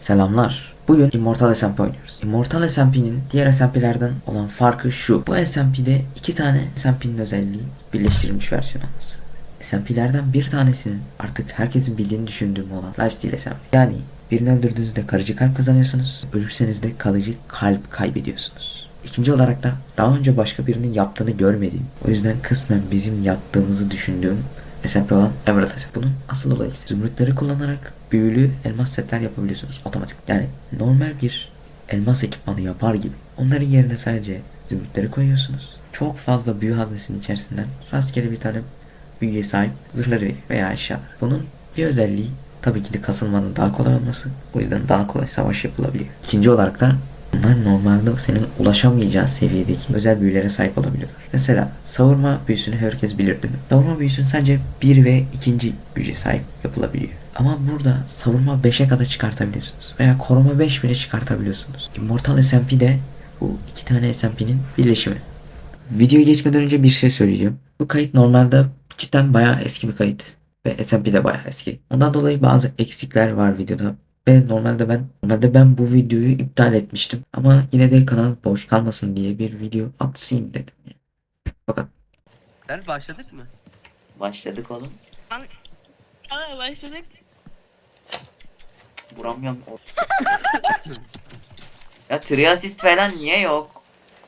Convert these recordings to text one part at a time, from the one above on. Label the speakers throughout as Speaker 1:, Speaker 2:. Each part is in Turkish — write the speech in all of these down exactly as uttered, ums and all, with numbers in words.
Speaker 1: Selamlar. Bugün Immortal S M P oynuyoruz. Immortal S M P'nin diğer S M P'lerden olan farkı şu. Bu S M P'de iki tane S M P'nin özelliği birleştirilmiş versiyon olması. S M P'lerden bir tanesinin artık herkesin bildiğini düşündüğüm olan Lifesteal S M P. Yani birini öldürdüğünüzde kalıcı kalp kazanıyorsunuz. Ölürseniz de kalıcı kalp kaybediyorsunuz. İkinci olarak da daha önce başka birinin yaptığını görmediğim, o yüzden kısmen bizim yaptığımızı düşündüğüm S M P olan Emerald S M P. Bunun asıl olayı ise zümrütleri kullanarak büyülü elmas setler yapabiliyorsunuz otomatik. Yani normal bir elmas ekipmanı yapar gibi. Onların yerine sadece zümrütleri koyuyorsunuz. Çok fazla büyü haznesinin içerisinden rastgele bir tane büyüye sahip zırhları verir veya eşyalar. Bunun bir özelliği tabii ki de kasılmanın daha kolay olması. O yüzden daha kolay savaş yapılabiliyor. İkinci olarak da bunlar normalde senin ulaşamayacağın seviyedeki özel büyülere sahip olabiliyorlar. Mesela savurma büyüsünü herkes bilir değil mi? Savurma büyüsünün sadece bir ve ikinci güce sahip yapılabiliyor. Ama burada savurma beşe kadar çıkartabiliyorsunuz. Veya koruma beş bile çıkartabiliyorsunuz. Immortal S M P de bu iki tane S M P'nin birleşimi. Videoya geçmeden önce bir şey söyleyeceğim. Bu kayıt normalde cidden bayağı eski bir kayıt. Ve S M P de bayağı eski. Ondan dolayı bazı eksikler var videoda. Ve normalde ben normalde ben bu videoyu iptal etmiştim. Ama yine de kanal boş kalmasın diye bir video atayım dedim. Fakat
Speaker 2: Der başladık mı?
Speaker 1: başladık oğlum.
Speaker 3: Aa başladık.
Speaker 1: Vuramıyorum. Ya triasist falan niye yok?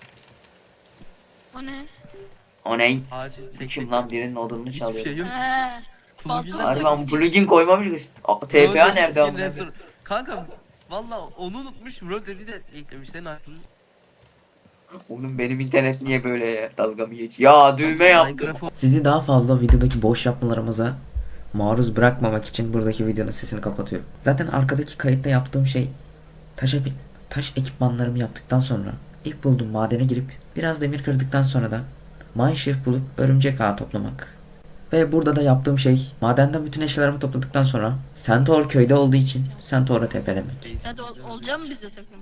Speaker 3: O ne?
Speaker 1: O ne?
Speaker 2: Acil tek
Speaker 1: Kim
Speaker 2: tek.
Speaker 1: lan birinin odununu
Speaker 2: Hiçbir
Speaker 1: çalıyor.
Speaker 2: şey yok.
Speaker 3: Eee.
Speaker 2: Plugin
Speaker 3: Fazla
Speaker 1: Harbi
Speaker 3: mı
Speaker 1: lan plugin koymamış. T P A
Speaker 2: Rol
Speaker 1: nerede
Speaker 2: dedi,
Speaker 1: amına?
Speaker 2: skin restore- Kanka valla onu unutmuş, rol dedi de eklemiş senin aklın.
Speaker 1: Oğlum benim internet niye böyle ya? Dalga mı geç? Ya düğme yaptım.
Speaker 2: Minecraft
Speaker 1: Sizi daha fazla videodaki boş yapmalarımıza maruz bırakmamak için buradaki videonun sesini kapatıyorum. Zaten arkadaki kayıtta yaptığım şey taş, epi- taş ekipmanlarımı yaptıktan sonra ilk bulduğum madene girip biraz demir kırdıktan sonra da mineshaft bulup örümcek ağı toplamak. Ve burada da yaptığım şey madenden bütün eşyalarımı topladıktan sonra Centaur köyde olduğu için Centaur'a tepelemek.
Speaker 3: Hadi ol, olacak mı bize takım?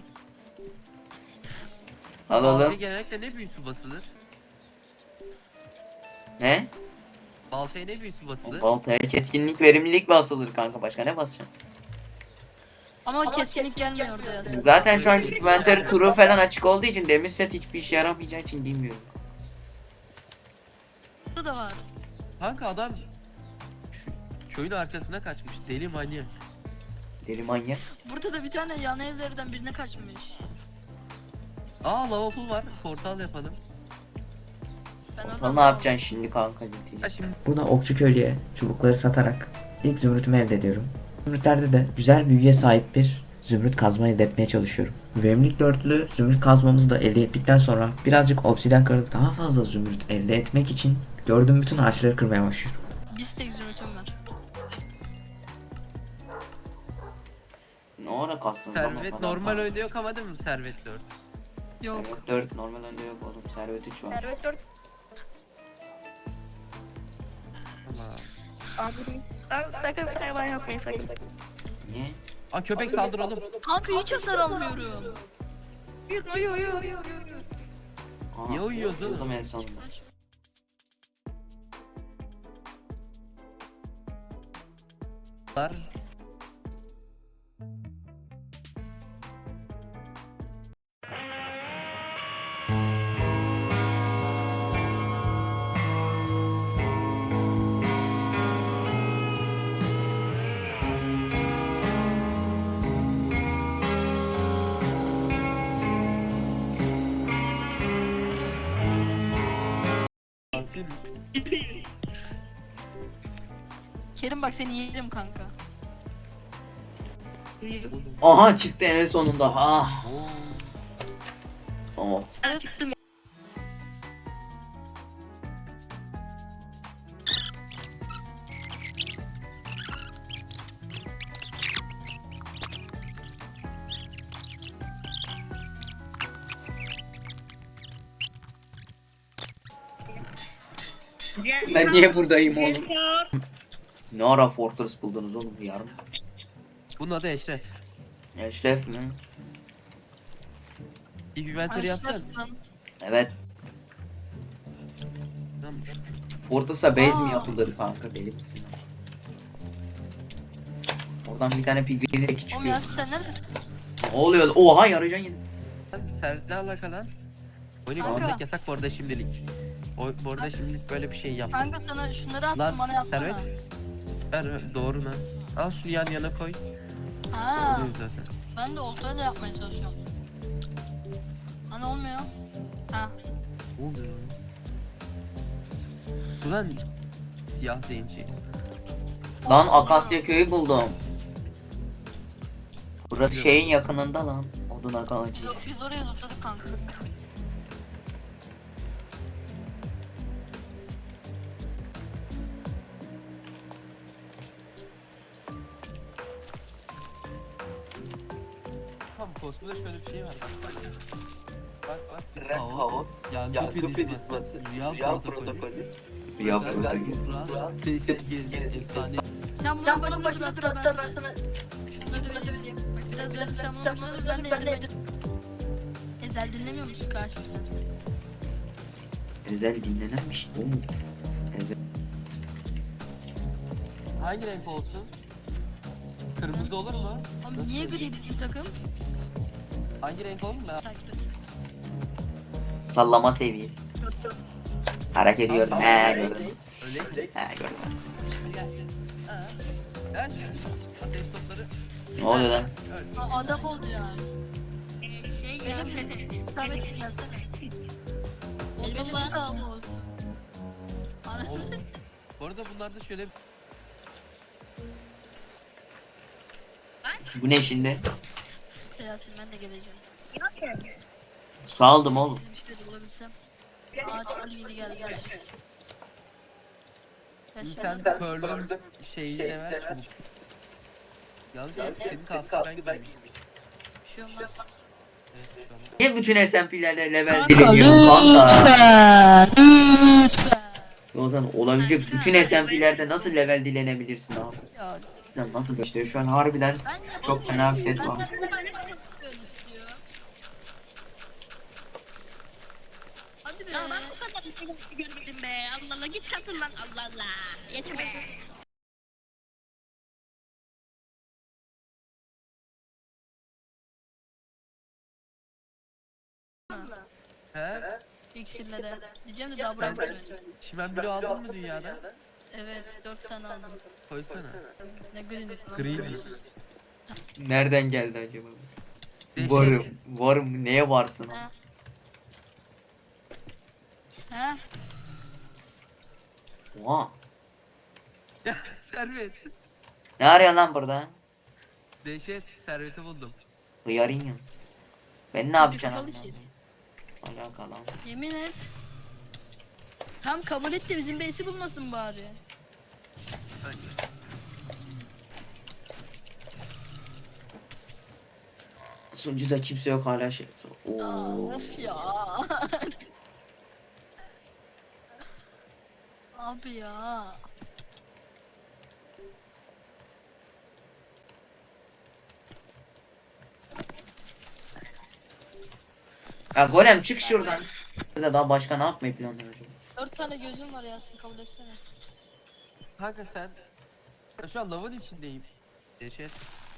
Speaker 2: Baltaya genellikle ne büyüsü basılır?
Speaker 1: Ne?
Speaker 2: Baltaya ne büyüsü basılır?
Speaker 1: Baltaya keskinlik verimlilik basılır kanka, başka ne basacaksın?
Speaker 3: Ama kesinlik gelmiyor orada yazıyor.
Speaker 1: Zaten şu an inventory turu falan açık olduğu için demir set hiçbir işe yaramayacağı için bilmiyorum.
Speaker 3: Burada da var.
Speaker 2: Kanka adam şu köyün arkasına kaçmış, deli manyak.
Speaker 1: Deli manyak.
Speaker 3: Burada da bir tane yan evlerden birine kaçmış.
Speaker 2: Aa lava pool var, portal yapalım.
Speaker 3: Ben
Speaker 1: Ortal
Speaker 3: oradan
Speaker 1: ne yapacaksın şimdi kanka ciddi?
Speaker 2: Ha şimdi
Speaker 1: Burada okçu köylüye çubukları satarak ilk zümrütümü elde ediyorum. Zümrütlerde de güzel büyüye sahip bir zümrüt kazma elde etmeye çalışıyorum. Verimlilik dörtlü zümrüt kazmamızı da elde ettikten sonra birazcık obsiden kırıp daha fazla zümrüt elde etmek için gördüğüm bütün ağaçları kırmaya başlıyorum.
Speaker 3: bir tek zümrütüm var.
Speaker 1: Ne ara kastın?
Speaker 2: servet normal oyunda yok ama değil mi servet dört?
Speaker 3: Yok.
Speaker 1: Servet dört normal önde yok oğlum. Servet üç var.
Speaker 4: Servet dört.
Speaker 2: Ama.
Speaker 4: Abi. Lan sakın sayman yapmayın sakın.
Speaker 1: Niye?
Speaker 2: Aa köpek saldır oğlum.
Speaker 3: Kanka hiç hasar almıyorum.
Speaker 4: Uyur uyur uyur uyur uyur.
Speaker 1: Aha,
Speaker 2: Niye uyuyoruz oğlum?
Speaker 1: uyudum en sonunda.
Speaker 2: Var.
Speaker 3: Kerim bak seni yerim kanka.
Speaker 1: Aha çıktı en sonunda. Ah.
Speaker 2: Oo.
Speaker 1: Tamam.
Speaker 3: Sen çıktım.
Speaker 1: Ben niye buradayım oğlum? Ne ara Fortress buldunuz oğlum, yarım?
Speaker 2: Bunun adı Eşref.
Speaker 1: Eşref mi?
Speaker 2: İlk inventory yaptın.
Speaker 1: Evet.
Speaker 2: Tamam.
Speaker 1: Fortress'a base mi
Speaker 3: Aa.
Speaker 1: yapılır kanka, deli misin? Oradan bir tane pigrini de küçük.
Speaker 3: Oğlum ya sen neredesin?
Speaker 1: Ne oluyor? Oha yaracan yine.
Speaker 2: Servisle alakalı. Oyunu
Speaker 3: Kanka.
Speaker 2: bitirmek yasak bu arada şimdilik. O, bu arada
Speaker 3: Kanka.
Speaker 2: şimdilik böyle bir şey yap.
Speaker 3: Kanka sana şunları attım
Speaker 2: Lan,
Speaker 3: bana yapsana.
Speaker 2: Servet. Ver doğru lan. Al şunu yan yana koy.
Speaker 3: Ha,
Speaker 2: Oluyor zaten.
Speaker 3: ben de oltayla yapmaya çalışıyorum. Hani olmuyor. Ha.
Speaker 2: Oluyor. Ulan siyah zenci.
Speaker 1: Lan
Speaker 3: Olmuyor.
Speaker 1: Akasya köyü buldum. Burası
Speaker 2: Yok.
Speaker 1: şeyin yakınında lan. Odun ağacı.
Speaker 3: Biz, biz oraya zıpladık kanka.
Speaker 2: Tamam kosmoda şöyle bir şey var. Bak bak. Bak bak.
Speaker 5: Red House,
Speaker 2: Yangın
Speaker 5: Yangın
Speaker 2: prizması,
Speaker 5: Prizması,
Speaker 2: Rüya
Speaker 5: Rüya
Speaker 2: protokolü,
Speaker 5: Protokolü,
Speaker 1: Rüya
Speaker 2: Özel
Speaker 1: protokolü.
Speaker 2: Buğra, Seyset Gezi, Efsane.
Speaker 3: Sen bunu başına başına dur hatta ben sana şunları vereyim. Bak biraz verdim sen bunu başına dur ben de ezel. Ezel dinlemiyor musun karşım sen?
Speaker 1: Özel dinlenenmiş. Oğlum. Ezel.
Speaker 2: Hangi renk olsun? Kırmızı olur mu?
Speaker 3: Oğlum niye gri bizim takım?
Speaker 2: Hangi renk olur mu? Ben-
Speaker 3: Takip et.
Speaker 1: Sallama seviyesi. Hareket ediyorum. He gördüm.
Speaker 2: Öyle.
Speaker 1: He gördüm.
Speaker 2: Ha. Ver şu ateş topları.
Speaker 1: Ne oluyor lan?
Speaker 2: Öl.
Speaker 3: Ha, adam olacaksın. Şey ya. Samet'in gelsene. Elbette bir kavga olsun. Ana-
Speaker 2: Oğlum, bu arada bunlarda şöyle
Speaker 1: Bu ne şimdi?
Speaker 3: Yasin ben de geleceğim.
Speaker 1: Su aldım oğlum.
Speaker 3: Sizin bir şey de bulabilsem. Ağaç Ali yeni geldi.
Speaker 2: sen
Speaker 3: Yaşar.
Speaker 2: Pearl'ün şeyi de ver çabuk. Yalnız abi senin kaskı ben giyeyim.
Speaker 3: Bir şey olmaz.
Speaker 2: Evet, tamam.
Speaker 1: Niye bütün S M P'lerde level
Speaker 3: Kanka
Speaker 1: dileniyorum kanka?
Speaker 3: lütfen. Lütfen.
Speaker 1: O zaman olabilecek bütün S M P'lerde nasıl level dilenebilirsin abi?
Speaker 3: Ya
Speaker 1: Sen nasıl işte şu an harbiden
Speaker 3: ben de
Speaker 1: çok fena bir set
Speaker 3: Ben
Speaker 1: var.
Speaker 3: de ben de böyle istiyor. Hadi be.
Speaker 4: Ya ben bu kadar bir şey görmedim be. Allah Allah git satın lan Allah Allah. Yeter be.
Speaker 2: He?
Speaker 3: İksirlere. Diyeceğim de daha bırakmadım.
Speaker 2: Çimen bloğu aldın mı dünyada?
Speaker 3: Evet, dört tane aldım.
Speaker 2: Koysana.
Speaker 3: Ne green.
Speaker 2: Green.
Speaker 1: Nereden geldi acaba?
Speaker 2: Beş-
Speaker 1: Varım. Varım. Neye varsın? abi?
Speaker 3: Ha. Ha?
Speaker 1: Oha.
Speaker 2: Ya servet.
Speaker 1: Ne arıyor lan burada?
Speaker 2: Dehşet serveti buldum.
Speaker 1: Hıyarın ya. Ben ne
Speaker 3: Kapı
Speaker 1: yapacağım?
Speaker 3: kapalı ki.
Speaker 1: Alakalı.
Speaker 3: Yemin et. Tam kabul et de bizim base'i bulmasın bari.
Speaker 1: Sunucuda kimse yok hala şey. Oo.
Speaker 3: Of ya. Abi ya.
Speaker 1: Ya Golem çık şuradan. Ya daha başka ne yapmayı planlıyor acaba?
Speaker 3: Dört tane gözüm var Yasin kabul etsene.
Speaker 2: Kanka sen... Ya şu an lavın içindeyim. Dehşet.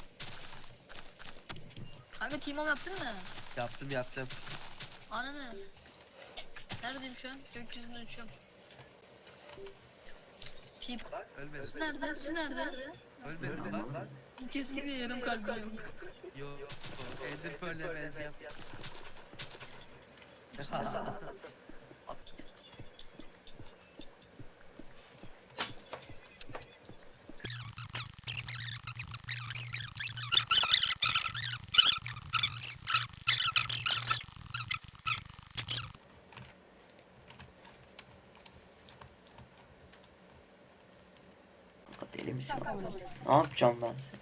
Speaker 3: Kanka team up yaptın mı?
Speaker 2: Yaptım yaptım.
Speaker 3: Ananı. Neredeyim şu an? Gökyüzünde uçuyorum. Pip.
Speaker 2: Ölmedim.
Speaker 3: Su nerede? Su nerede?
Speaker 2: Ölmedim bak bak.
Speaker 3: Kesinlikle yarım kalbim yok.
Speaker 2: Yo. Ender Pearl'le benzi yap.
Speaker 1: Kanka deli misin?
Speaker 3: Sen kabul et.
Speaker 1: Ne yapacağım ben sen?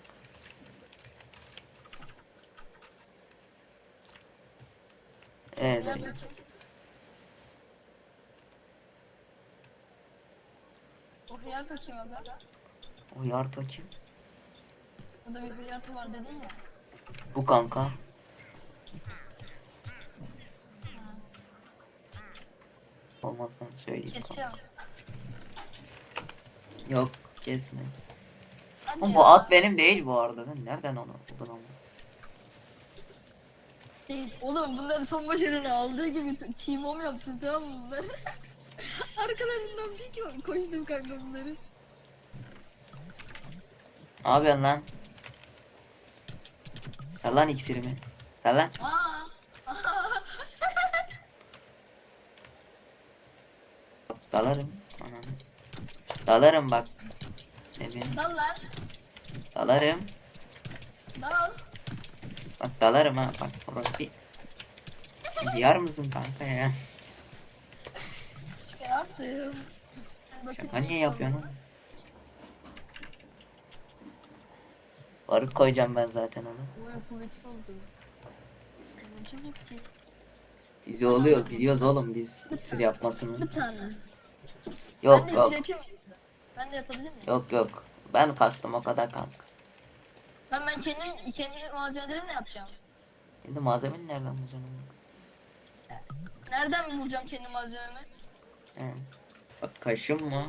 Speaker 1: Evet.
Speaker 3: Nerede? O hıyarto kim aga?
Speaker 1: O yarto kim?
Speaker 3: Burada bir hıyarto var dedin ya.
Speaker 1: Bu kanka. Olmazsan söyleyeyim kanka.
Speaker 3: Keseceğim.
Speaker 1: Yok kesme. Oğlum bu at benim değil bu arada. Sen nereden onu buldun ama?
Speaker 3: Oğlum bunları son başarını aldığı gibi t- team home yaptım tamam mı bunları? Arkalarından bir ko- koştum kanka bunları.
Speaker 1: Ne yapıyorsun lan? Sal lan iksirimi. Sal lan.
Speaker 3: Aa!
Speaker 1: Dalarım. Ananı. Dalarım bak. Demin.
Speaker 3: Dal lan.
Speaker 1: Dalarım.
Speaker 3: Dal.
Speaker 1: Bak dalarım ha. Bak orası bir. Yar mısın kanka ya?
Speaker 3: Şaka yaptım. Bakın
Speaker 1: Şaka niye yapıyorsun oğlum? Barut koyacağım ben zaten onu.
Speaker 3: Oy kuvvetli oldu. Amacım yok ki.
Speaker 1: Bizi oluyor biliyoruz oğlum biz iksir yapmasını.
Speaker 3: Bir tane.
Speaker 1: Yok
Speaker 3: ben de
Speaker 1: yok.
Speaker 3: iksir yapayım mı? Ben de yapabilir miyim?
Speaker 1: Yok yok. Ben kastım o kadar kanka.
Speaker 3: Ben ben kendim kendi malzemelerimle yapacağım.
Speaker 1: Şimdi malzemeni nereden bulacaksın oğlum?
Speaker 3: Nereden bulacağım kendi malzememi?
Speaker 1: He. Bak kaşım mı?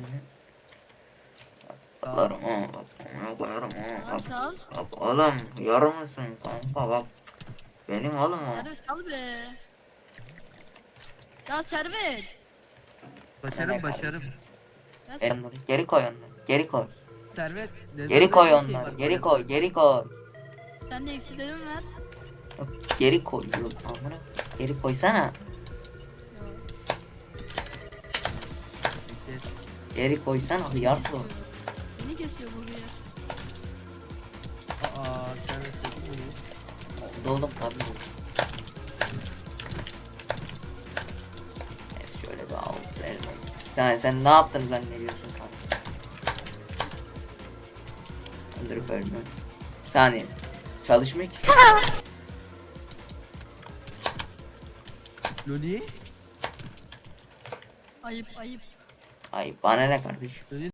Speaker 1: Dalarım ha bak. Ona koyarım ha bak.
Speaker 3: Sal.
Speaker 1: Bak oğlum yar mısın kanka bak. Benim oğlum o.
Speaker 3: Servet al be. Ya Servet.
Speaker 2: Başarım başarım.
Speaker 3: Ya
Speaker 1: E, onları geri koy onları. Geri koy.
Speaker 2: Servet. neden
Speaker 1: Geri koy
Speaker 2: böyle bir şey
Speaker 1: onları.
Speaker 2: var
Speaker 1: Geri
Speaker 2: böyle?
Speaker 1: koy. Geri koy.
Speaker 3: sen de eksilerimi ver.
Speaker 1: Yok, geri koy. Yok, amına. Geri koysana.
Speaker 2: Kes.
Speaker 1: Geri koysana. Yardım.
Speaker 3: Beni kesiyor bu bir.
Speaker 2: Aa Servet çok iyi.
Speaker 1: Oldu oğlum tabii. Neyse şöyle bir alt verelim. Sen sen ne yaptın zannediyorsun kanka? Öldürüp ölme. Bir saniye. Çalışmıyor ki.
Speaker 2: Loli.
Speaker 3: Ayıp ayıp.
Speaker 1: Ay bana ne kardeşim?
Speaker 2: Loli.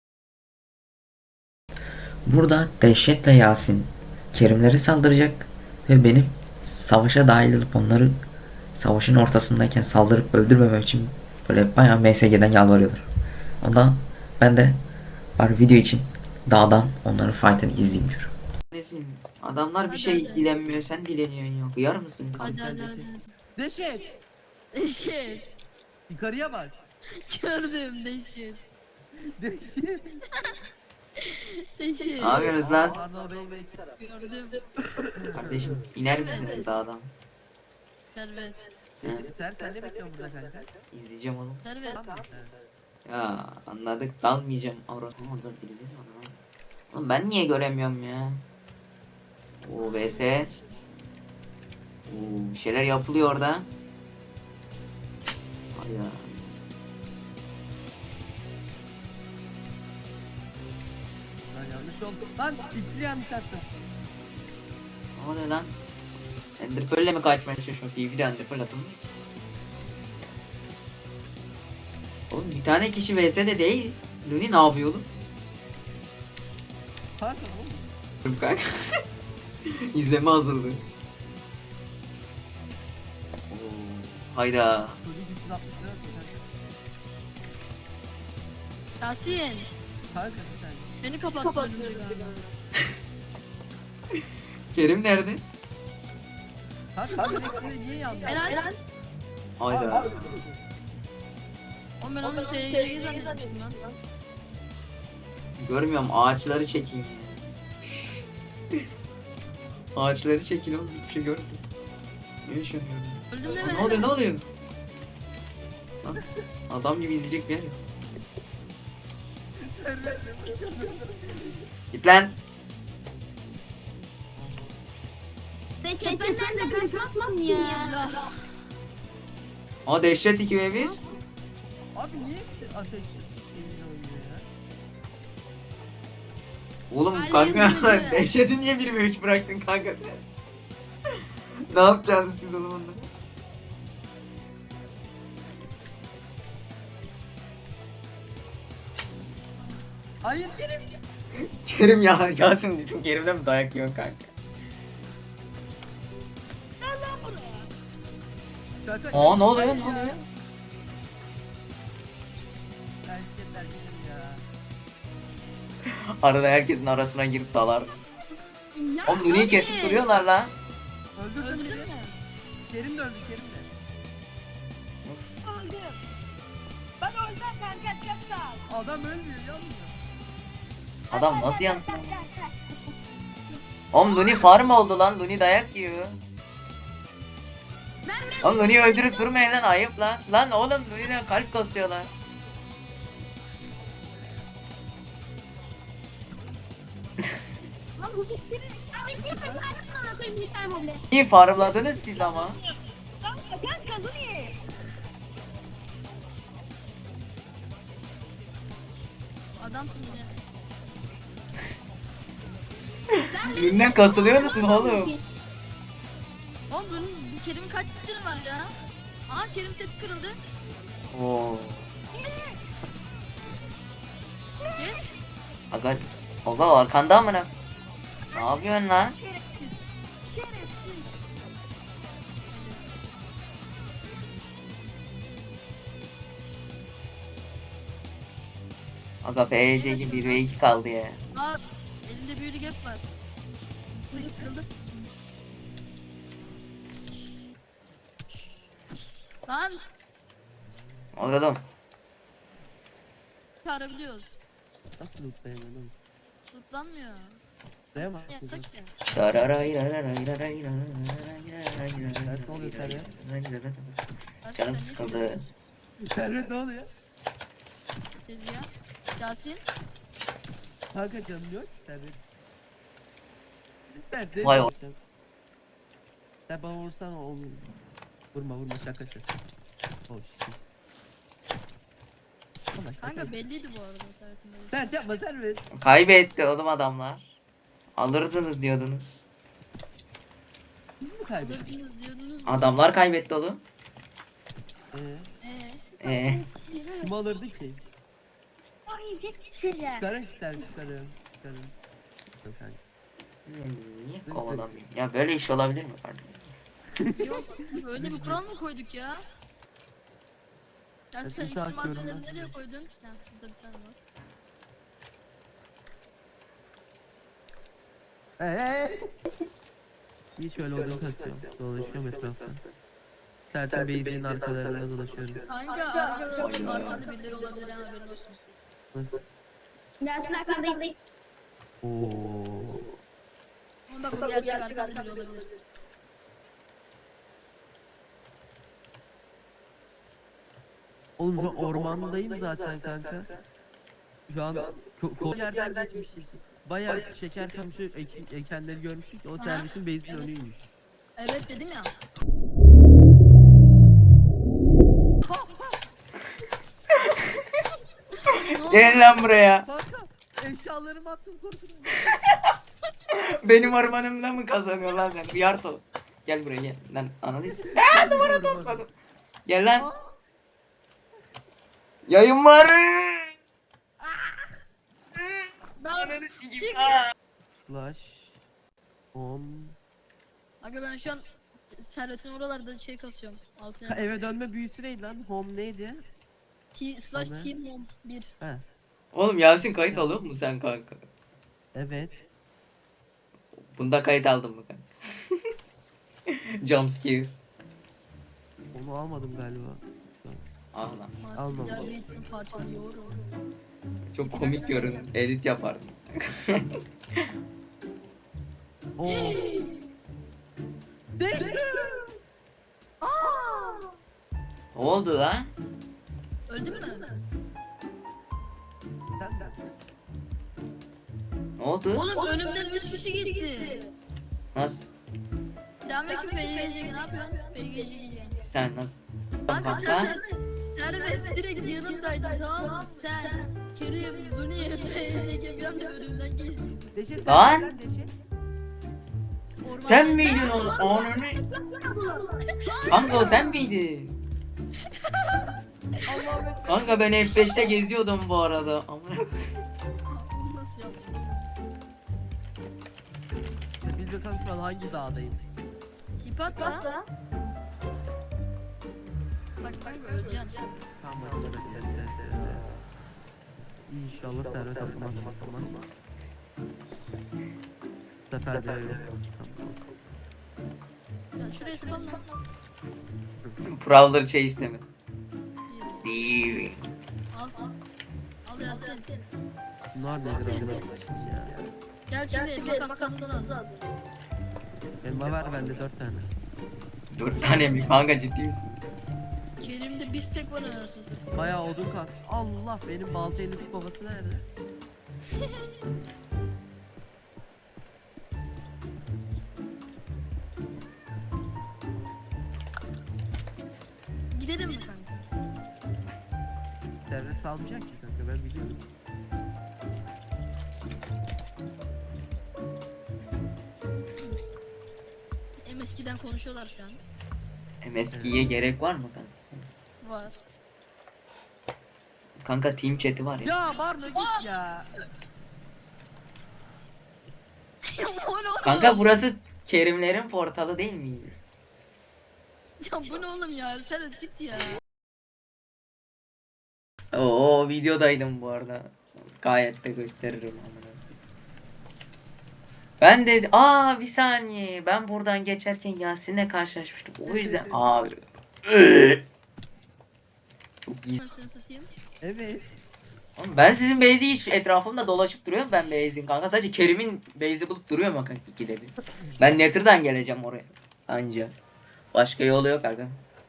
Speaker 1: Burada Dehşet'le Yasin Kerimlere saldıracak ve benim savaşa dahil olup onları savaşın ortasındayken saldırıp öldürmemem için böyle bayağı M S G'den yalvarıyorlar. Ondan ben de var video için dağdan onların fight'ını izleyeyim diyorum. Nesin? Adamlar bir
Speaker 3: Hadi,
Speaker 1: şey
Speaker 3: hadi.
Speaker 1: dilenmiyor, sen dileniyorsun yok. Yar mısın
Speaker 3: Hadi
Speaker 1: kanka?
Speaker 3: hadi hadi.
Speaker 2: Deşet.
Speaker 3: Deşet.
Speaker 2: Yukarıya bak.
Speaker 3: Gördüm deşet.
Speaker 2: Deşet.
Speaker 3: Deşet.
Speaker 1: Ne yapıyorsunuz lan?
Speaker 2: Pardon bey bey taraf.
Speaker 3: Gördüm.
Speaker 1: Kardeşim iner misiniz dağdan?
Speaker 3: Servet.
Speaker 1: Hı?
Speaker 2: Sen sen ne bekliyorsun burada kanka?
Speaker 1: İzleyeceğim oğlum.
Speaker 3: Servet.
Speaker 2: Tamam mı?
Speaker 1: Ya anladık dalmayacağım. Avrat. Orada birileri var lan. Oğlum ben niye göremiyorum ya? Oo V S. Oo bir şeyler yapılıyor orada. Hayda.
Speaker 2: Lan yanlış oldu. Lan ikili yanlış attım.
Speaker 1: Ne oluyor lan? Ender Pearl'le mi kaçmaya çalışıyorsun? P V'de Ender Pearl atılmıyor. Oğlum bir tane kişi V S'de değil. Luni ne yapıyor oğlum?
Speaker 2: Pardon oğlum.
Speaker 1: Dur kanka. İzleme hazırlığı. Oo, hayda.
Speaker 2: Çocuk üç yüz altmış lira atıyor kanka.
Speaker 3: Yasin.
Speaker 2: Kanka bir tane.
Speaker 3: Beni kapattın.
Speaker 1: Kerim nerede?
Speaker 2: Kanka sen ikili niye yandın?
Speaker 3: Helal.
Speaker 1: Hayda.
Speaker 3: Oğlum ben onu F C'yi zannettim lan.
Speaker 1: Görmüyorum ağaçları çekin. Ağaçları çekin oğlum hiçbir şey görmüyorum. Ne yaşanıyor?
Speaker 3: Öldüm
Speaker 1: Aa,
Speaker 3: deme.
Speaker 1: ne oluyor ne oluyor? Lan, adam gibi izleyecek bir yer yok. Git lan.
Speaker 4: Deşet benden de kaçmazsın ya.
Speaker 1: Aa dehşet iki ve bir.
Speaker 2: Abi niye ateş eline oynuyor ya?
Speaker 1: Oğlum
Speaker 3: Ay,
Speaker 1: kanka
Speaker 3: yazık.
Speaker 1: dehşeti niye bir ve üç bıraktın kanka sen? Ne yapacaksınız siz oğlum onunla?
Speaker 2: Hayır benim.
Speaker 1: Kerim ya Yasin dedim Kerim'den mi dayak yiyorsun kanka?
Speaker 2: Kanka.
Speaker 1: Aa ne oluyor ne oluyor?
Speaker 2: Erkekler benim ya.
Speaker 1: Arada herkesin arasına girip dalar.
Speaker 4: Ya
Speaker 1: Oğlum Luni'yi
Speaker 4: abi.
Speaker 1: kesip duruyorlar lan.
Speaker 2: Öldürdüm
Speaker 3: Öldürdün
Speaker 2: biri.
Speaker 3: mü?
Speaker 2: Kerim de öldü Kerim de.
Speaker 1: Nasıl?
Speaker 4: Öldüm. Ben öldüm kanka çok sağ ol.
Speaker 2: Adam ölmüyor yanmıyor.
Speaker 1: Adam nasıl yansın? Oğlum Luni farm oldu lan. Luni dayak yiyor. Oğlum Luni'yi öldürüp durmayın lan, ayıp lan. Lan oğlum Luni'den kalp kasıyorlar.
Speaker 4: Lan bu fikri. Abi kim ben koyayım bir tane moble.
Speaker 1: İyi farmladınız siz ama.
Speaker 4: Kanka kanka dur iyi.
Speaker 3: Adamsın yine.
Speaker 1: Luni'den kasılıyorsunuz mu oğlum?
Speaker 3: Oğlum bunun bu Kerim'in kaç canı var ya? Aa Kerim sesi kırıldı.
Speaker 1: Oo.
Speaker 3: Kes.
Speaker 1: Aga, Oga arkanda amına. Ne yapıyorsun lan?
Speaker 4: Şerefsiz. Şerefsiz.
Speaker 1: Aga P Y C'ci bir ve iki kaldı ya.
Speaker 3: Aa elinde büyülü gap var. Kırıldı kırıldı. Lan
Speaker 1: Oğlum.
Speaker 3: çağırabiliyoruz.
Speaker 2: Nasıl lootlayamıyorum?
Speaker 3: Tutlanmıyor.
Speaker 2: Dayamaz.
Speaker 3: Yasak ya.
Speaker 1: Canım sıkıldı.
Speaker 2: Servet ne oluyor?
Speaker 3: Tezgah. Yasin.
Speaker 2: Kanka canım yok. Servet. Sen de
Speaker 1: Vay o-
Speaker 2: Sen bana vursan olur. Vurma vurma şaka şaka. Oh shit. Ama şaka.
Speaker 3: Kanka belliydi bu arada Servet'in böyle.
Speaker 2: Sen yapma Servet.
Speaker 1: Kaybetti oğlum adamlar. Alırdınız diyordunuz.
Speaker 2: Biz mi kaybettik?
Speaker 3: Alırdınız diyordunuz.
Speaker 1: Adamlar kaybetti oğlum.
Speaker 2: Eee?
Speaker 3: Eee.
Speaker 1: Ee,
Speaker 2: Kim alırdı ki?
Speaker 4: Ay geçeceğim.
Speaker 2: Çıkarın Servet çıkarın. Çıkarın. Yok kanka.
Speaker 1: niye kovalamıyorum? Ya böyle iş olabilir mi kardeşim?
Speaker 3: Yok aslında öyle bir kural mı koyduk ya? Ya
Speaker 2: Ben
Speaker 3: sen
Speaker 2: bir
Speaker 3: ilk
Speaker 2: saat
Speaker 3: malzemeleri
Speaker 2: görmem.
Speaker 3: nereye koydun? Ha burada bir tane var.
Speaker 2: Eee? İyi şöyle odun kasıyorum. Dolaşıyorum etrafta. Sertan Beyzi'nin arkalarında dolaşıyorum.
Speaker 3: Kanka arkalarında arkanda birileri olabilir ha haberin olsun.
Speaker 2: Nasıl?
Speaker 4: Dersin arkandayım.
Speaker 2: Ooo.
Speaker 3: Ama bak o gerçek arkanda biri olabilir.
Speaker 2: Oğlum şu an ormandayım zaten kanka. Şu an ko ko yerden geçmişiz. Bayağı şeker kamışı ek ekenleri görmüştük. O
Speaker 3: Aha.
Speaker 2: servisin base'in önüymüş.
Speaker 3: Evet dedim ya. Ne oldu?
Speaker 1: Gelin lan buraya.
Speaker 2: Kanka eşyalarımı attım korkudan.
Speaker 1: Benim ormanımda mı kazanıyor lan sen? Yarto. Gel buraya gel. Lan analiz. Aa duvara tosladım. Gel lan.
Speaker 3: Aa,
Speaker 1: Yayın var.
Speaker 3: ben
Speaker 1: Ananı sikeyim.
Speaker 3: çık.
Speaker 1: Aa.
Speaker 2: Slash on.
Speaker 3: Aga ben şu an Servet'in oralarda şey kasıyorum. Altına.
Speaker 2: Ka eve dönme büyüsü neydi lan? Home neydi?
Speaker 3: T slash
Speaker 2: Hemen.
Speaker 3: team on bir.
Speaker 2: He.
Speaker 1: Oğlum Yasin kayıt alıyor mu sen kanka?
Speaker 2: Evet.
Speaker 1: Bunda kayıt aldın mı kanka? Jumpscare.
Speaker 2: Onu almadım galiba.
Speaker 1: Ah lan.
Speaker 2: Almam.
Speaker 3: Marsilya bir eğitim parçalıyor.
Speaker 1: Çok komik görün. Edit yapardım.
Speaker 2: Oo. Değişti.
Speaker 3: Aa!
Speaker 1: Ne oldu lan?
Speaker 3: Öldü mü?
Speaker 2: Sen de.
Speaker 1: Ne oldu?
Speaker 3: Oğlum önümden üç kişi gitti.
Speaker 1: Nasıl?
Speaker 3: Sen belki P G C ne yapıyorsun? P G C
Speaker 1: Sen nasıl?
Speaker 3: Kanka
Speaker 1: Kanka.
Speaker 3: sen Servet direkt yanımdaydın tamam mı? Sen, Kerim, Duni, P G C bir anda önümden geçti.
Speaker 2: Deşe sen
Speaker 1: Lan!
Speaker 2: neden Deşe?
Speaker 3: Ormanda-
Speaker 1: Sen miydin onu? Onu ne? Kanka o sen miydin?
Speaker 2: Allah'ım ekber.
Speaker 1: Kanka ben F beşte geziyordum bu arada. Amına
Speaker 3: Bunu nasıl yaptın?
Speaker 2: Biz bakalım şu an hangi dağdayız?
Speaker 3: Tip at da. Bak kanka öleceksin.
Speaker 2: Tamam hadi hadi hadi hadi. İnşallah servet atmaz atmaz. Bu sefer de öyle.
Speaker 3: Ya şuraya spamla.
Speaker 1: Prowler şey istemez. Değil.
Speaker 3: Al al. Al Yasin.
Speaker 2: Bunlar nedir acaba şimdi ya?
Speaker 3: Gel şimdi makas kapısı lazım.
Speaker 2: Elma ver bende dört tane.
Speaker 1: Dört tane mi kanka, ciddi misin?
Speaker 3: Kerim'de bir tek var anasını satayım.
Speaker 2: Bayağı odun kalk. Allah, benim balta eliniz babası nerede?
Speaker 3: Gidelim mi kanka?
Speaker 2: Devre salmayacak ki kanka, ben biliyorum.
Speaker 3: Hem eskiden konuşuyorlar şu an.
Speaker 1: M S G'ye gerek var mı kanka?
Speaker 3: Var.
Speaker 1: Kanka team chat'i var ya.
Speaker 2: Ya var mı git ya.
Speaker 3: Ya bu ne oğlum?
Speaker 1: Kanka burası Kerimlerin portalı değil miydi?
Speaker 3: Ya bu ne oğlum ya? Sen git ya.
Speaker 1: Oo, videodaydım bu arada. Gayet de gösteririm amına. Ben de aa bir saniye, ben buradan geçerken Yasin'le karşılaşmıştım. O yüzden abi. Çok iyi.
Speaker 3: Anasını satayım.
Speaker 2: Evet.
Speaker 1: Oğlum ben sizin base'i hiç etrafımda dolaşıp duruyorum ben base'in kanka. Sadece Kerim'in base'i bulup duruyorum kanka ikide bir. Ben Nether'dan geleceğim oraya. Anca. Başka yolu yok kanka.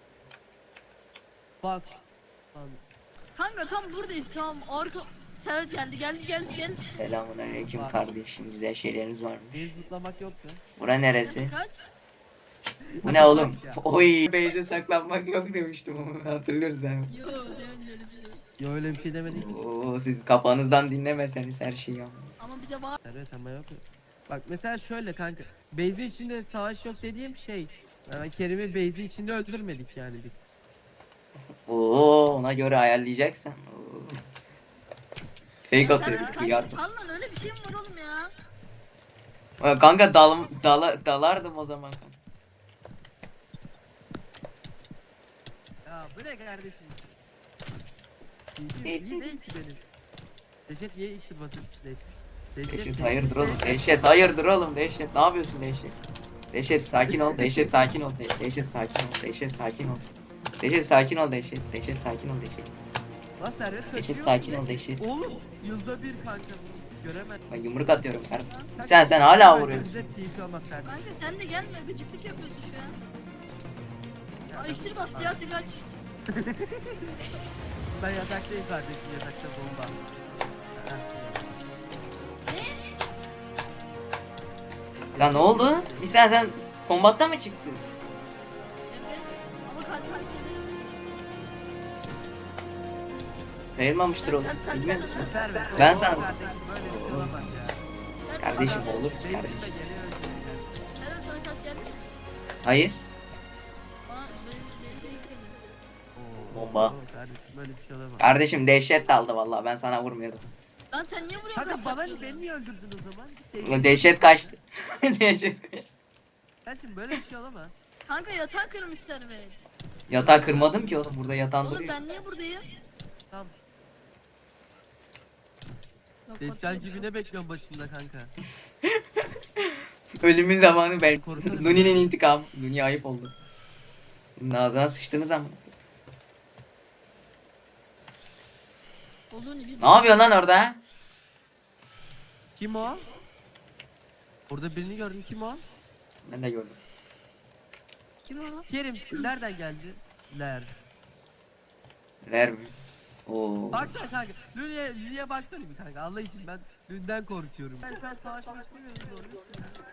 Speaker 2: Bak. Lan,
Speaker 3: Kanka tam buradayız tamam. Arka Serhat geldi geldi geldi geldi.
Speaker 1: Selamun aleyküm kardeşim. Güzel şeyleriniz varmış.
Speaker 2: bir zıplamak yoktu.
Speaker 1: Bura neresi?
Speaker 3: Kaç?
Speaker 1: Bu ne oğlum?
Speaker 2: Ya.
Speaker 1: Oy, base'e saklanmak yok demiştim onu, hatırlıyoruz abi.
Speaker 3: Yo demedim öyle bir şey.
Speaker 2: Ya öyle bir şey demedik ki.
Speaker 1: Oo, siz kafanızdan dinlemeseniz her şeyi ama.
Speaker 3: Ama bize var.
Speaker 2: Evet ama yok. Bak mesela şöyle kanka. Base'in içinde savaş yok dediğim şey. Yani Kerim'i base'in içinde öldürmedik yani biz.
Speaker 1: Oo, ona göre ayarlayacaksan. Oo. Fake atıyor bir
Speaker 3: Kanka
Speaker 1: yardım.
Speaker 3: sal lan öyle bir şey mi var oğlum ya?
Speaker 1: Aa, kanka dal, dala, dalardım o zaman kanka.
Speaker 2: Ya bu ne kardeşim? İyi, iyi değil ki benim. Dehşet niye iksir basıyorsun Dehşet?
Speaker 1: Dehşet hayırdır oğlum? Dehşet hayırdır oğlum? Dehşet ne yapıyorsun Dehşet? Dehşet sakin ol. Dehşet sakin ol. Dehşet sakin ol. Dehşet sakin ol. Dehşet sakin ol Dehşet. Dehşet sakin ol Dehşet.
Speaker 2: Lan servet
Speaker 1: Dehşet
Speaker 2: kaçıyor.
Speaker 1: sakin ol Dehşet.
Speaker 2: Oğlum yılda bir kanka bunu göremez.
Speaker 1: Ben yumruk atıyorum kardeşim. Sen sen hala vuruyorsun.
Speaker 2: Bize keyif almaz servet.
Speaker 3: Kanka sen de gelme gıcıklık yapıyorsun şu an. Aa iksir bastı ya kaç.
Speaker 2: Ben yataktayım kardeşim, yatakta bomba. Ha.
Speaker 1: Sen ne oldu? Bir sen sen kombatta mı çıktın?
Speaker 3: Evet. Ama kalp hareketi.
Speaker 1: Sayılmamıştır oğlum. Bilmiyor musun?
Speaker 2: Servet,
Speaker 1: Ben
Speaker 2: o
Speaker 1: sana-
Speaker 2: kardeşim böyle bir şey olamaz ya.
Speaker 1: Kardeşim
Speaker 2: Adam
Speaker 1: olur
Speaker 2: benim
Speaker 1: kardeşim.
Speaker 2: üstüme geliyor öldürüyor.
Speaker 3: Serhat sana kalp geldi mi?
Speaker 1: Hayır.
Speaker 3: Bana benim benim şey gelmedi.
Speaker 2: Oo,
Speaker 1: Bomba.
Speaker 2: oo, Kardeşim böyle bir şey olamaz.
Speaker 1: Kardeşim dehşet aldı vallahi, ben sana vurmuyordum.
Speaker 3: Lan sen niye vuruyorsun?
Speaker 2: Kanka bana
Speaker 3: kalp
Speaker 2: beni niye öldürdün o zaman? Git
Speaker 1: Ulan
Speaker 2: değil.
Speaker 1: dehşet kaçtı. Dehşet kaçtı.
Speaker 2: Kardeşim böyle bir şey olamaz.
Speaker 3: Kanka yatağı kırmış Servet.
Speaker 1: Yatağı kırmadım ki oğlum, burada yatağın
Speaker 3: Oğlum
Speaker 1: duruyor.
Speaker 3: ben niye buradayım?
Speaker 2: Tamam.
Speaker 3: Yok,
Speaker 2: Deccal
Speaker 3: bakıyorum.
Speaker 2: gibi ne bekliyorsun başında kanka?
Speaker 1: Ölümün zamanı ben.
Speaker 2: Korkarım.
Speaker 1: Nuni'nin intikamı. Nuni ayıp oldu. Bunun ağzına sıçtınız ama.
Speaker 3: Olduğunu biz.
Speaker 1: Ne yapıyorsun lan orada?
Speaker 2: Kim o? Orada birini gördüm, kim o?
Speaker 1: Ben de gördüm.
Speaker 3: Kim o?
Speaker 2: Kerim nereden geldi? Ler.
Speaker 1: Ver mi? Oo.
Speaker 2: Baksana kanka. Lüle'ye Lüle'ye baksana bir kanka. Allah için ben Lüle'den korkuyorum. Ben şu an savaşmak istemiyorum doğru.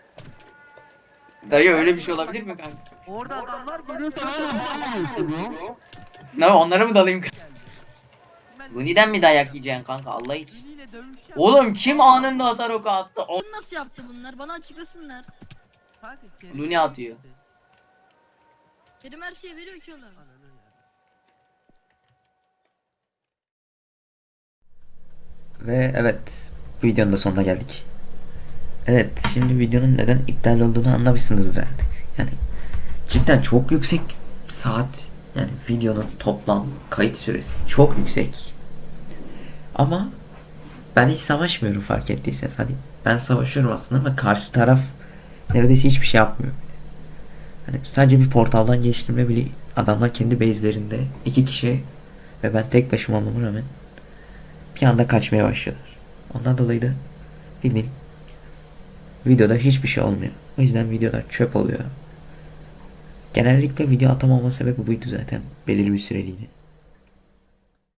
Speaker 1: Dayı öyle bir şey olabilir mi kanka?
Speaker 2: Orada adamlar geliyor sana.
Speaker 1: Ne, onlara mı dalayım?
Speaker 2: Geldi. Ben
Speaker 1: Nuni'den mi dayak yiyeceksin kanka, Allah için?
Speaker 2: Lüle'yle dövüş yap.
Speaker 1: Oğlum kim anında hasar oku attı? O-
Speaker 3: Bunu nasıl yaptı bunlar? Bana açıklasınlar.
Speaker 2: Kanka, Kerim-
Speaker 1: Lüle atıyor.
Speaker 3: Kerim her şeyi veriyor ki oğlum.
Speaker 2: Ananı ya.
Speaker 1: Ve evet, bu videonun da sonuna geldik. Evet, şimdi videonun neden iptal olduğunu anlamışsınızdır artık. Yani cidden çok yüksek saat, yani videonun toplam kayıt süresi çok yüksek. Ama ben hiç savaşmıyorum fark ettiyseniz. Hani ben savaşıyorum aslında ama karşı taraf neredeyse hiçbir şey yapmıyor. Hani sadece bir portaldan geçtiğimde bile adamlar kendi base'lerinde iki kişi ve ben tek başıma olmama rağmen bir anda kaçmaya başlıyorlar. Ondan dolayı da bildiğin videoda hiçbir şey olmuyor. O yüzden videolar çöp oluyor. Genellikle video atamama sebebi buydu zaten belirli bir süreliğine.